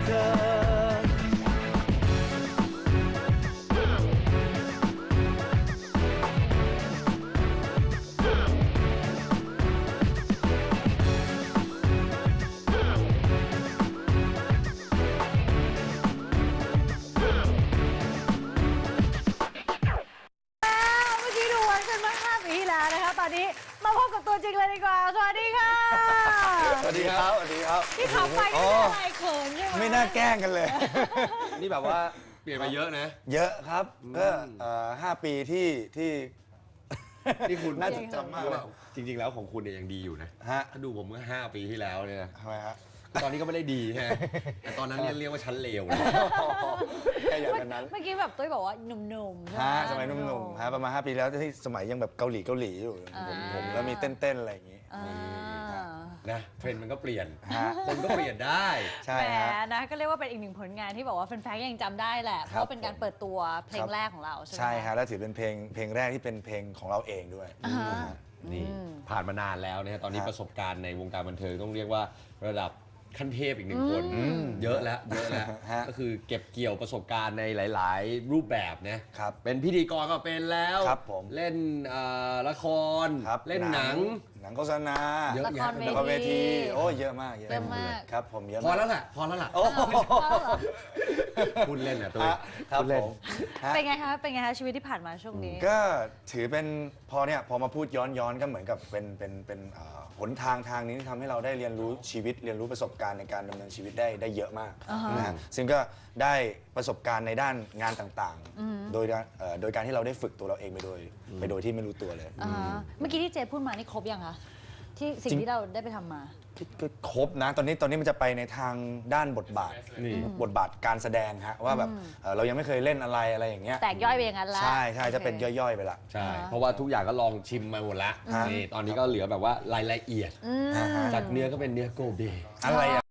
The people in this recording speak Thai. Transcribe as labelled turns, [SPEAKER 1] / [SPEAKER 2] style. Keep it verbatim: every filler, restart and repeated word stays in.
[SPEAKER 1] เธอ
[SPEAKER 2] ตอนนี้มาพบกับตัวจริงเลยดีกว่าสวัสดีค่ะ
[SPEAKER 3] สวัสดีครับสวัสดีครับ
[SPEAKER 2] ที่ขับไปไม่ได้อะไรเขินใช่ไหม
[SPEAKER 3] ไม่น่าแกล้งกันเลย
[SPEAKER 4] นี่แบบว่าเปลี่ยนไปเยอะนะ
[SPEAKER 3] เยอะครับก็ห้าปีที่ที่
[SPEAKER 4] ที่คุณ
[SPEAKER 3] น่าจดจำมากเลย
[SPEAKER 4] จริงๆแล้วของคุณเนี่ยยังดีอยู่นะ
[SPEAKER 3] ฮะ
[SPEAKER 4] ถ้าดูผมเมื่อห้าปีที่แล้วเนี่ย
[SPEAKER 3] ทำไมฮะ
[SPEAKER 4] ตอนนี้ก็ไม่ได้ดีฮะแต่ตอนนั้นเรียกว่าชั้นเลวเลย
[SPEAKER 3] แค่อย่างนั้น
[SPEAKER 2] เมื่อกี้แบบตุ้ยบอกว่าหนุ่มๆ
[SPEAKER 3] ฮะสมัยหนุ่มๆฮะประมาณห้าปีแล้วที่สมัยยังแบบเกาหลีเกาหลีอยู่ผมผมแล้วมีเต้นๆอะไรอย่างงี้
[SPEAKER 4] นะเทรนด์มันก็เปลี่ยนคนก็เปลี่ยนได้
[SPEAKER 3] ใช่ฮะ
[SPEAKER 2] นะก็เรียกว่าเป็นอีกหนึ่งผลงานที่บอกว่าแฟนๆยังจำได้แหละเพราะเป็นการเปิดตัวเพลงแรกของเราใช่ไหม
[SPEAKER 3] ใช่ฮะแล้วถือเป็นเพลงเพลงแรกที่เป็นเพลงของเราเองด้วย
[SPEAKER 4] นี่ผ่านมานานแล้วนะฮะตอนนี้ประสบการณ์ในวงการบันเทิงต้องเรียกว่าระดับขั้นเทพอีกหนึ่งคนเยอะแล้วเยอะแล้วก็คือเก็บเกี่ยวประสบการณ์ในหลายๆรูปแบบนะครับเป็นพิธีกรก็เป็นแล้วเล่นละครเล่นหนัง
[SPEAKER 3] หนังโฆษณา
[SPEAKER 4] เยอะแยะ
[SPEAKER 3] ละครเวทีโอ้เยอะมาก
[SPEAKER 2] เยอะมาก
[SPEAKER 3] ครับผมเยอะ
[SPEAKER 4] พอแล้วแหละพอแล้วล่ะคุณเล่นอ่ะตัว
[SPEAKER 3] ครับผม
[SPEAKER 2] เป็นไงคะเป็นไงคะชีวิตที่ผ่านมาช่วงนี้
[SPEAKER 3] ก็ถือเป็นพอเนี่ยพอมาพูดย้อนย้อนก็เหมือนกับเป็นเป็นเป็นหนทางทางนี้ที่ทำให้เราได้เรียนรู้ชีวิตเรียนรู้ประสบการณ์ในการดำเนินชีวิตได้ได้เยอะมากนะฮะซึ่งก็ได้ประสบการณ์ในด้านงานต่างๆโดยโดยการที่เราได้ฝึกตัวเราเองไปโดยไปโดยที่ไม่รู้ตัวเลย
[SPEAKER 2] เมื่อกี้ที่เจพูดมานี่ครบยังคะที่สิ่งที่เราได้ไปทำมา
[SPEAKER 3] ก็ครบนะตอนนี้ตอนนี้มันจะไปในทางด้านบทบาทบทบาทการแสดงฮะว่าแบบเรายังไม่เคยเล่นอะไรอะไรอย่างเงี้ย
[SPEAKER 2] แตกย่อยไปอย่างนั้นแล้ว
[SPEAKER 3] ใช่ใช่จะเป็นย่อยๆไปละ
[SPEAKER 4] ใช่เพราะว่าทุกอย่างก็ลองชิมมาหมดละนี่ตอนนี้ก็เหลือแบบว่ารายละเอียดจากเนื้อก็เป็นเนื้อโกเบ
[SPEAKER 3] อะไร